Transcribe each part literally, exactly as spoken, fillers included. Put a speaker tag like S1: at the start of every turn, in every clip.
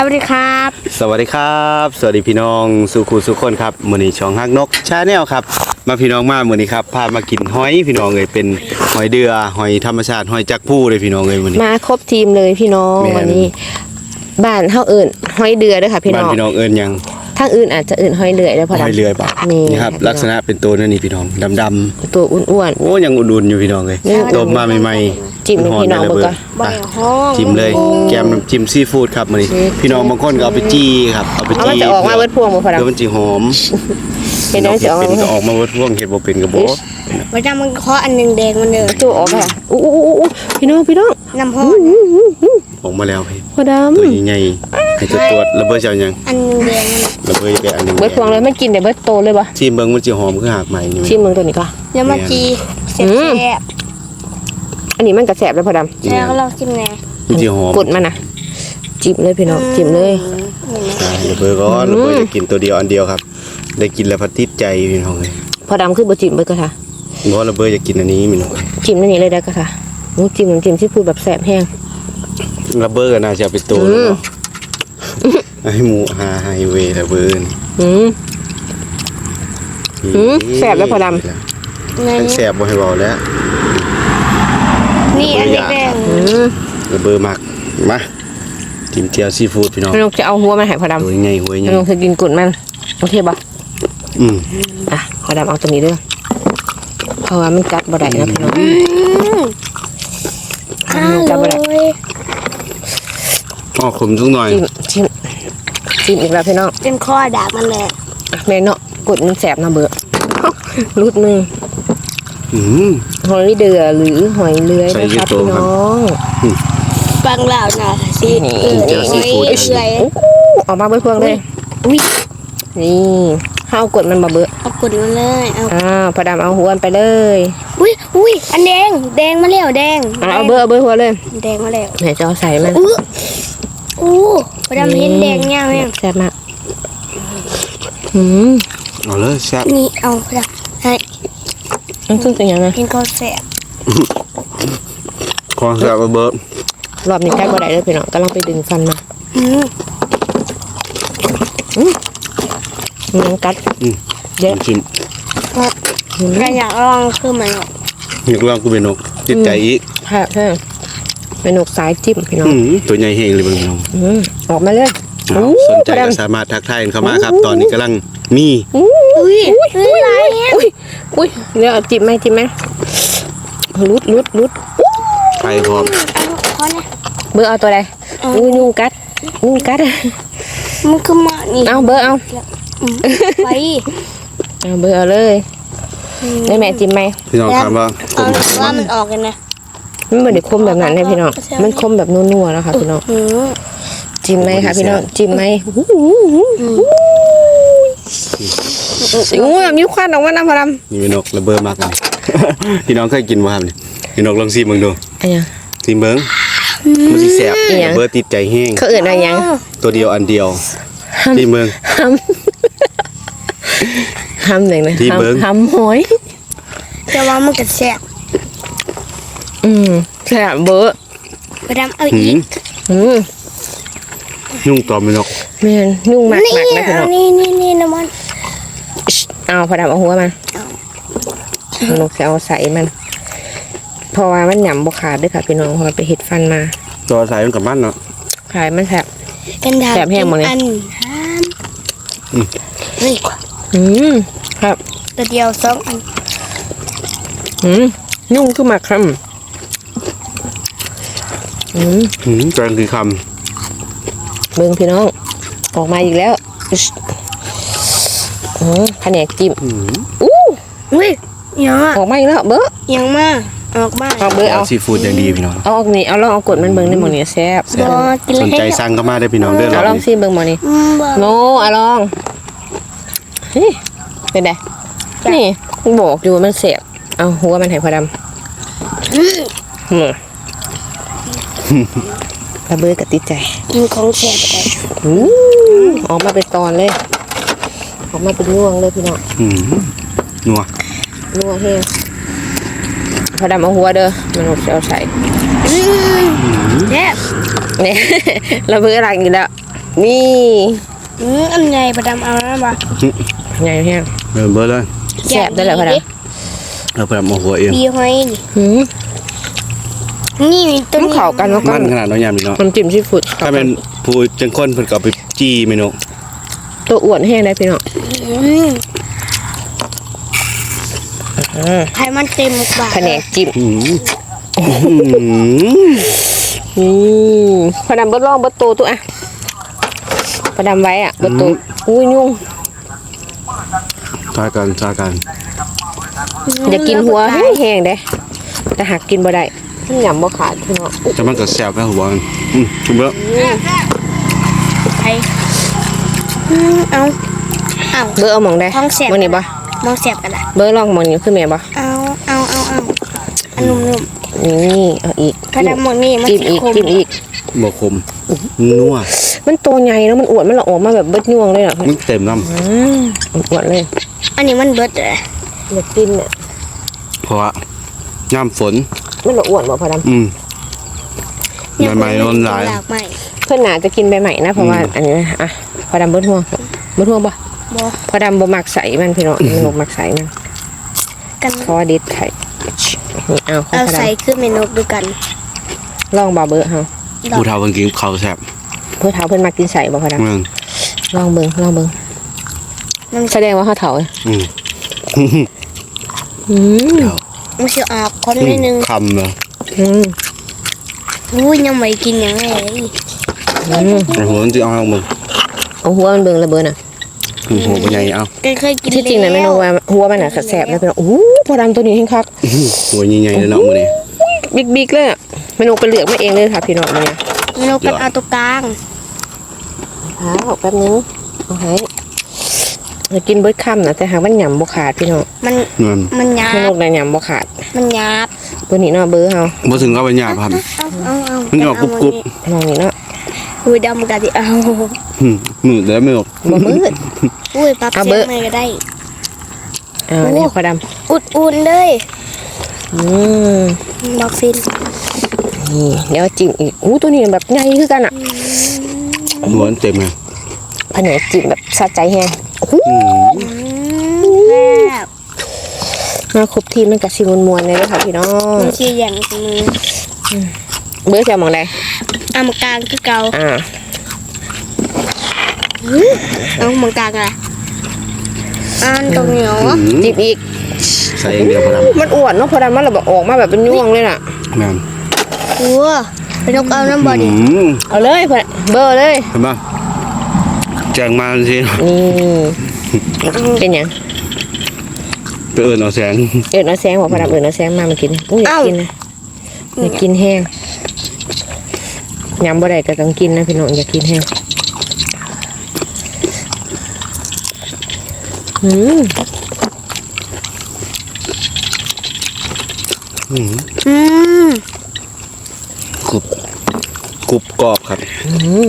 S1: สวัสดีครับ
S2: สวัสดีครับสวัสดีพี่น้องสุขุสุขคนครับมื้อนี้ช่องฮักนกชาแนลครับมาพี่น้องมามื้อนี้ครับพามากินหอยพี่น้องเลยเป็นหอยเดือหอยธรรมชาติหอยจักผู้เลยพี่น้องเลยมื้อนี้
S1: มาครบทีมเลยพี่น้องวันนี้บ้านเฮาเอิ้นหอยเดือเด้อค่ะพี่น้อง
S2: บ้านพี่น้องเอิ้นยัง
S1: ทางอื่นอาจจะเอิ้นหอยเดือยได้พอดำ
S2: หอยเดือยป่ะนี่ครับลักษณะเป็นตัวนั่นนี่พี่น้องดำ
S1: ๆตัวอ้วน
S2: ๆโอ้ยังอุ่นๆอยู่พี่น้องเลยต้มมาใหม่ๆ
S1: จิ้มพี่น้องเบิ่งก่อน
S2: จิ้มเลยแกมน้ำจิ้มซีฟู้ดครับมื้อนี้พี่น้องบางคนก็เอาไปจี้ครับเอาไปจี้
S1: มันจะออกมาเบิดพวงบ่พอดำ
S2: เดี๋ยวมันสิหอม
S1: เห็นแล้วจะออก
S2: เป็นก็ออกมาเบิดพวงเฮ็ดบ่เป็นก็บ่
S3: พอดำมันเคาะอันนึงแดงมันเด้อ
S1: ตัวออกค่ะอู้ๆๆพี่น้องพี่น้อง
S3: น้ำฮ้อน
S2: ออกมาแล้วพี่
S1: พอดำ
S2: ตัวใหญ่ๆให้ตัวตัวระเบิดเจ้ายัง
S3: อันนึงแดง
S2: ระเบิดไปอันนึง
S1: เบิดพวงเลยมันกินได้เบิดโตเลยบ่
S2: ชิมเบิ่งมันสิหอมคือหากใหม่นี่
S1: ชิมเบิ่งตัวนี้ก่อน
S3: แล้วมาจีแซ่บ
S1: อันนี้มันก็แซ่บแล้วพอดำ
S3: แล้วก็ลองจิ้มแหน่
S2: มันสิหอม
S1: กดมันน่ะจิ้มเลยพี่น้องจิ้มเลย
S2: ระเบิดก่อนระเบิดจะกินตัวเดียวอันเดียวครับได้กินแล้วพัดติดใจพี่น้องเลย
S1: พอดำคือบ่จิ้มเบิดก็ค่ะ
S2: บ่ระเบิดจะกินอันนี้พี่น้อง
S1: จิ้มอันนี้เลยได้ก็ค่ะนูจิ้มน้ำจิ้มที่พูดแบบแซ่บแห้ง
S2: ระเบิดก็น่าจะเป็นตัวเนาะให้หมูหาไฮเวย์ระเบิด
S1: อืมอืมแซ่บแล้วพอดำ
S2: ทั้งแซ่บบ่ให้เบาแล้ว
S3: นี่อันนี้แดง
S2: ระเบิดมักมาจิ้มเจียวซีฟู้ดพี่น้อง
S1: น้องจะเอาหัวมันให้พอดำ
S2: หัวใหญ่หัวใหญ่
S1: น้องจะกินกุดมันโอเคป่ะ
S2: อืม
S1: อ่ะพอดำเอาตัวนี้ด้วยเพราะว่ามันกัดบ่ได้นะพี่น้องมันกัดบ่ได้
S2: อ๋อขมจุกหน่อย
S1: จิ้มจิ้มอีกแล้วพี่น้อง
S3: เป็นข้อดาบมันแหละ
S1: แม่เนาะกุดมันแสบนะเบื่อรูดมือหอยเดือหรือหอยเลื้อยนะครับพี่น้อง
S3: ฟังเล่าหน่อยสิ
S2: นี่เจียวซีฟู้ด
S1: ออกมาเบื่อเพื่องเลยนี่ข้าวกดมันมาเบื่อ
S3: เอากดมันเลยเอา
S1: อ่าพอดำเอาหัวไปเลย
S3: อุ้ยอุ้ยอันแดงแดงมาแล้วแดง
S1: เอาเบื่อเบื่อหัวเลย
S3: แดงมาแล้ว
S1: ไหนจะเอาใส่มัน
S3: อู้พอดำเห็นแดงยังยัง
S1: แซ่บมากอืม
S2: เอาเลยแซ่บ
S3: นี่เอาพอดำให้
S1: มันคือเป็นยังไง
S3: เป็นข้าวแซ่บ
S2: ข้าวแซ่บระเบิด
S1: รอบนี้ใกล้บ่ได้เลยพี่น้องกำลังไปดึงฟันมา
S3: อืม
S1: อืมยังกัด
S2: เยอะชิม
S3: ใครอยากลองคือมัน
S2: อยากลองกูเป็นนกจิตใจอีก
S1: ค่ะใช่เป็นนกสายจิ้มพี่น้อง
S2: ตัวใหญ่เฮงเลยพี่น้อง
S1: ออกมาเลย
S2: สนใจก็สามารถทักทายเข้ามาครับตอนนี้กำลังมี
S3: อุ้ยอุ้ยอะไร
S1: อุ้ยอุ้ยเดี๋ยวจิ้มไหมจิ้มไหมลุดลุดลุด
S2: ไปพร้อม
S1: เบอร์เอาตัวใดอุ้ยนุ่งกัดนุ่งกัด
S3: มันคือหมานี่
S1: เอาเบอร์เอา
S3: ไป
S1: เอาเบอร์เอาเลยได้แม่จิ้มไหม
S2: พี่น้องถามว่า
S3: ว่ามันออกกันนะ
S1: มันเหมือนเด็กคมแบบนั้นเลยพี่น้องมันคมแบบนัวๆนะคะพี่น้องจิ้มไหมคะพี่น้องจิ้มไหมงูแบบนิ้วควันออกมาหน้าพอด
S2: ำนี่เป็นนกระเบิดมากเลยพี่น้องเคยกินว่าครับนี่พี่น้องลองซีมึงดูซีเบิ้งมันสิแสบระเบิดติดใจแห้ง
S1: เขาเอื่นอะไรยัง
S2: ตัวเดียวอันเดียวซีเบิ้ง
S1: ห้ำหนึ่งนะห้ำหอย
S3: แต่ว่ามันก็แสบ
S1: อืมแสบเบอร์
S3: พอดำเอาอีก
S2: ยุ่งตอมไปนก
S1: แม่ยุ่งมากมากนะพี่น้อง
S3: นี่นี่นี่น้ำมัน
S1: เอาพอดำเอาหัวมันนกจะเอาใส่มันเพราะว่ามันหยำบกขาดด้วยค่ะพี่น้องเพราะไปเห็ดฟันมา
S2: ตัวใส่มันกับมันเนาะ
S1: ขายมันแสบ
S3: แสบ
S1: แห้งหมดเลย
S3: นี่
S1: อืมครับ
S3: ตัวเดียวสองอัน
S1: อืมยุ่งขึ้นมาครับอืม
S2: อืมแกงคือคำ
S1: เบิ้งพี่น้องออกมาอีกแล้วอืมแผนกจิ้ม
S3: อู้อุ้ยยัง
S1: ออกมาอีกแล้วเบิ้ง
S3: ยังมาออกมา
S1: เอาเบิ้งเอา
S2: ซีฟู้ดอย่างดีพี่น้อง
S1: เอาออกนี่เอาลองเอากดมันเบิ้งในหมอนี่แซ่บ
S2: สนใจสั่งก็มาได้พี่น้องเด้อ
S1: เอาลองซีเบิ้งหมอนี่โน้เอาลองนี่เป็นไงนี่บอกอยู่มันเสียบเอาหัวมันให้พอดำกระเบื้อกับติดใจ
S3: กินของแสบไป
S1: ออกมาเป็นตอนเลยออกมาเป็นน่วงเลยพี่น้อง
S2: นัว
S1: นัวเฮ้พอดำเอาหัวเด้อมันหกเอาใส่
S3: เนี่ย
S1: เนี่ยระเบื้ออะไรอยู่แล้วนี่
S3: อืมอันใหญ่ประดำเอาแล้วบ่
S1: ใหญ่แห้ง
S2: เออเบอร์เลย
S1: แซ่บได้แล้วพอด
S2: เราพอดำเอาหัวเอง
S3: บีหอยนี่
S1: ำหืม
S3: นี่มีต้น
S1: ต้องเข่ากันแล้วก็
S2: มันขนาดน้อยยามนี่เนาะ
S1: น้ำจิ้มซีฟู้ด
S2: ถ้าเป็นผู้จังคนเพิ่นก็เอาไปจี้เมนู
S1: ตัวอ้วนแห้งได้พี่น้อง
S3: อืมไข่มันเต็มปาก
S1: แผนกจิ้ม
S2: อืม
S1: อืมพอดำเบิดลองเบิดโตตัวอ่ะพอดำไว้อ่ะเบิดโตอุ้ยยุ่ง
S2: ทากันทากัน
S1: อย่ากินหัวแห้งๆเด้แต่หากกินบ่ได้มันหยำบ่ขาดพี่น้อง
S2: จะมันก็แซ่บแค่หัวมันอืมชุบแล้ว
S3: ไข่อืมเอาเอา
S1: เบอร์เอาหมองได้
S3: ท้องแสบ
S1: มื้อนี้บ่
S3: มองแสบกันละ
S1: เบอร์ลองหมองนี้คือแม่บ่
S3: เอาเอาเอาเอาอันนุ่ม
S1: นี่เอาอีก
S3: ๆกระดำหมดนี่มัน
S1: จิ้มอีก
S3: คม
S1: จิ้มอีก
S2: บ่คมนัว
S1: มันโตใหญ่แล้วมันอ้วนมันละออกมาแบบเบิดยวงเลยเหรอ
S2: มันเต็มน้
S1: อืมอ้วนเลย
S3: อันนี้มันเบิดเลย
S1: อยากกินเนี่ย
S2: ำเพราะว่าย่ำฝน
S1: มันละอ้วนบ่พอดำ
S2: อืมใหม่ๆนอนหลาย
S3: หลากใหม่
S1: เพื่อนหนาจะกินใบใหม่นะเพราะว่าอันนี้นะอ่ะพอดำเบิดห่วงเบิดห่วงบ่
S3: บ่
S1: พอดำบ่มักใส่มันพี่น้องมันบ่มักใส่มัน
S3: กัน
S1: ขอดิดไข่นี่เอาของ
S3: เอา
S1: พอด
S3: ใส่คือเมนูด้วยกัน
S1: ำลองบ่เบอร์เฮา
S2: ผู้เฒ่าเพิ่นกินข้าวแซ่บ
S1: เพื่อเฒ่าเพิ่นมักกินใส่บ่พอด
S2: แม่น
S1: ำลองเบิ่งลองเบิ่ง
S3: มัน
S1: แสดงว่าเฮาเฒ่า
S2: อืม
S1: อืม
S2: เดี๋ยว
S3: มันสิออกคนนิดนึง
S2: คำเลย
S1: อืม
S3: อุ้ยยังไม่กินอย่างไร
S1: อืม
S2: แต่หัวมันจะเอามึง
S1: เอาหัวมันเบิ่งละเบอร์น่ะ
S2: อืมหัวเป็นไงเอา
S3: ก็เคยกิน
S1: ที่จริงน่ะเมนูว่าหัวมันน่ะแซ่บๆนะพี่น้องอู้พอดำตัวนี้แห้งคัก
S2: หัวใหญ่ๆเลยเนาะมื้อนี้
S1: บิ๊กๆเลยอะเมนูไปเลือกมาเองเลยค่ะพี่น้องมื้อนี้
S3: เมนูกันเอาตัวกลาง
S1: อ้าวแป๊บนึงเอาให้จะกินเบิดค่ำนะแต่หากมันหยำบ่ขาดพี่น้อง
S3: มัน
S2: นั่น
S3: มันหยา
S1: ไม่
S3: บ
S1: นกใดหยำบ่ขาด
S3: มันหยาบ
S1: ตัวนี้เนาะเบอร์เฮา
S2: บ่ถึงก็เป็นหยาบครับ
S3: เอาเอาเอา
S2: มันออกกรุบ
S1: มองนี่เนาะ
S3: อุ้ยดำกันดิเอา
S2: อืมมืดแล้วไม่ออก
S1: บ่มืด
S3: อุ้ยปรับ
S1: เอา
S3: เสี
S1: เบ
S3: ย
S1: อร์
S3: งหน่อยก็ได้
S1: อ่านี่พอด
S3: อุ่นๆเลย
S1: ำอืม
S3: บอกฟิน
S1: นี่เดี๋ยวจิ้มอีกอู้ตัวนี้แบบใหญ่คือกันอ่ะ
S2: หัวมันเต็มเลย
S1: ผนกจิ้มแบบสะใจแฮงโอ้โห
S2: อืม
S3: อืมแซ่บ
S1: มาครบทีมมันกับชิมวนๆเลยเด้อค่ะพี่น้อง
S3: มันชีอย่างมือ
S1: เบอร์จะมองใด
S3: เอามากลางคือเก่า
S1: อ่า
S3: เอามากลางอะไรอันตรงเหนียว
S2: อืม
S1: จิ้มอีก
S2: ใส่อย่างเดียวพอด
S1: มันอ้วนเนาะพอดำมันแบบออกมาแบบเป็นยวงเลยน่ะ
S2: ำแม่น
S3: โอ้ไปนกเอาน้ำบอ
S2: อื
S3: ดี้
S2: ม
S1: เอาเลยพอเบอร์เลย
S2: เห็นป่ะแจงมาสิ
S1: นี่เป็นหยัง
S2: ไปเอิ้นเอาแสง
S1: เอิญเอาแซงบอกพอดำเอิญเอาแซงมามากินอุ้ยอยากกินนะอยากกินแห้งยำบ่ได้ก็ต้องกินนะพี่น้องอยากกินแห้งอืม
S2: อืม
S3: อืม
S2: กรุบกรุบกรอบครับ
S1: อืม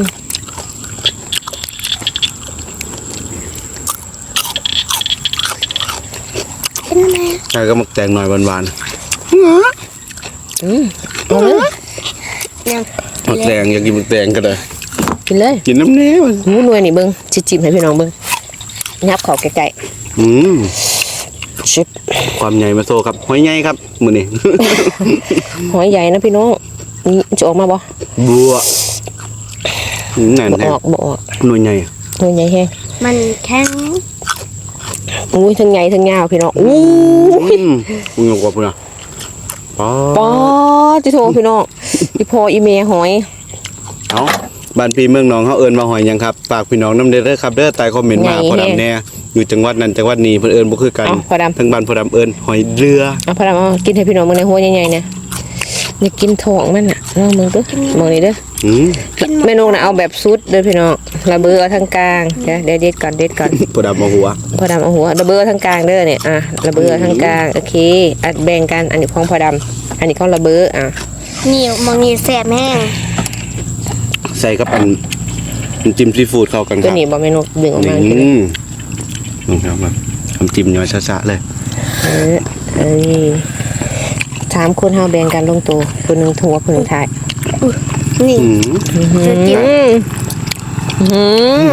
S3: เป็นไง
S2: ใช่ก็มักแตงหน่อยหวาน
S1: อืมเอาเลย
S3: ยัง
S2: ๆมักแตงอยากกินมักแตงก็ได้
S1: กินเลย
S2: กินน้ำเนี้มัน
S1: หมูหน่วยนี่เบิ้งจิจิบให้พี่น้องเบิ้งยับเขอไก่
S2: อืม
S1: ๆชิบ
S2: ความใหญ่มาโซครับหอยใหญ่ครับมื้อนี้
S1: หอยใหญ่นะพี่น้องนี่จะออกมาบ่
S2: บัวอืมนั่น
S1: บ่
S2: แหละ
S1: ออกบ่ออก
S2: หน่วยใหญ่
S1: หน่วยใหญ่แห้ง
S3: มันแข็ง
S1: อุ้ยทั้งใหญ่ทั้งยาวพี่น้องอู้ย
S2: อืมอุ้ยกว่าพุ่นน่ะป๊า
S1: ป๊อจิโทพี่น้องอีพออีเมหอย
S2: เอ้าบ้านพี่เมืองหนองเฮาเอิ้นว่าหอยหยังครับฝากพี่น้องนำเด้อเด้อครับเด้อใต้คอมเมนต์มาพอดำแน่อยู่จังหวัดนั้นจังหวัดนี้เพิ่นเอิ้นบ่คือกัน
S1: เอาพอดำ
S2: ทั้งบ้านพอดำเอิ้นหอยเรือ
S1: เอาพอดำเอากินให้พี่น้องมึงในหัวใหญ่ๆเนี่ยอยากกินท้องมันน่ะลองมึงเด้อมองนี่เด้อ
S2: อืม
S1: เมนูน่ะเอาแบบซุดเด้อพี่น้องระเบือเอาทั้งกลางเดี๋ยวเดี๋ยวเด็ดก่อนเด็ดก่อน
S2: พอดำเอาหัว
S1: พอดำเอาหัวระเบือทั้งกลางเด้อเนี่ยอ่ะระเบือทั้งกลางโอเคอัดแบ่งกันอันนี้ของพอดำอันนี้ของระเบืออ่ะ
S3: นี่มองนี่แสบแห้ง
S2: ใส่กับอันน้ำจิ้มซีฟู้ดเข้ากันค
S1: ตัว
S2: รับ
S1: นี้บ่เมนูดึงออกมา
S2: อื
S1: กิน
S2: มลงครับมาน้ำจิ้มย้อยซะๆเลย
S1: เออเอ้ยสามคนเฮาแบ่งกันลงตัวคนหนึงทัวคนหนึงถ่าย
S3: นี่
S2: อืม
S3: จะกิน
S1: อืมอืม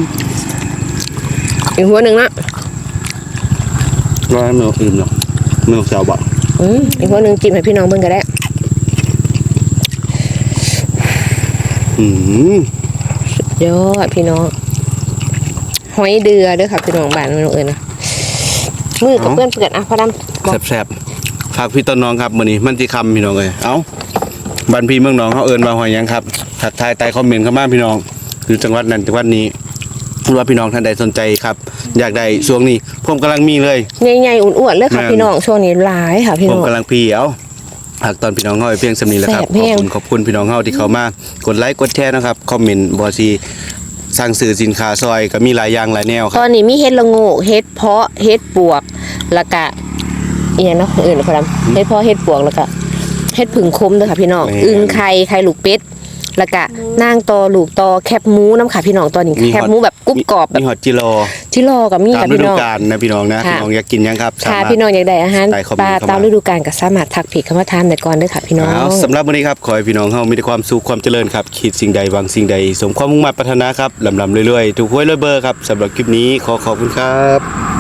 S1: อีกหัวหนึ่งนะ
S2: ร้อยมืออิ่มเนาะมือเสียวบ่
S1: อืมอีกหัวหนึ่งจิ้มให้พี่น้องเบิ่งก็ได้
S2: อืม
S1: ยอดพี่น้องหอยเดือเด้อค่ะพี่น้องบ้านมันเอิญนะมือกับเพื่อนเปื่อนอ่ะพอดำบอก
S2: แซ่บๆฝากพี่ต้นน้องครับมื้อนี้มันสิค่ำพี่น้องเอ้ยเอ้าบ้านพี่เมืองน้องเขาเอิ้นว่าหอยหยังครับทักทายใต้คอมเมนต์เข้ามาพี่น้องคือจังหวัดนั้นจังหวัดนี้หรือว่าพี่น้องท่านใดสนใจครับ อยากได้ช่วงนี้ผมกำลังมีเลย
S1: ใหญ่ๆอ้วนๆเลยค่ะ
S2: แม่น
S1: พี่น้องช่วงนี้หลายค่ะพี่
S2: ผม
S1: น้อง
S2: กำลังพีเอ้าหากตอนพี่น้องเฮาไปเพียงสำนีแหล้วครับ
S1: แซ่บ
S2: ข
S1: แห้
S2: อบ
S1: ง
S2: คุณขอบคุณพี่น้องเฮาที่เข้ามากดไลค์กดแชร์นะครับคอมเมนต์บ่สิสั่งซื้อสินค้าซอยก็มีหลายอย่างหลายแนวค
S1: ต
S2: รั
S1: อบ นนี้มีเฮ็ดละโงกเฮ็ดเพาะเฮ็ดปวกแล้วก็อีหยังเนาะอื่นพอดำเฮ็ดเพาะเฮ็ดปวกแล้วก็เฮ็ดผึ่งคมเด้อค่ะพี่น้องอึ่งไข่ไข่ลูกเป็ดแล้วก็นางตอลูกตอแคบหมูน้ำค่ะพี่น้องตอนนี้แคบหมูแบบกรุบกรอบแบบ
S2: มีฮอตจิโร
S1: ที่รอกับมี
S2: ตาม
S1: ค่ะ
S2: ฤ
S1: พี่
S2: ดู
S1: น้อง
S2: กาลนะพี่น้องนะ
S1: ค่ะ
S2: พี่น้องอยากกินหยังครับ
S1: ค่ะ
S2: สามารถ
S1: พี่น้องอยากได้อาหาร
S2: ใต้คอมเมนต์
S1: ปลา
S2: เข้ามา
S1: ตามฤดูกาลก็สามารถทักผิดคำว่าทานได้ก่อนเด้อค่ะพี่น้อง
S2: เอาสำหรับวันนี้ครับขอให้พี่น้องเฮามีแต่ความสุขความเจริญครับคิดสิ่งใดหวังสิ่งใดสมความมุ่งมั่นปรารถนาครับลำลำเรื่อยๆถูกหวยรวยเบอร์ครับสำหรับคลิปนี้ขอขอบคุณครับ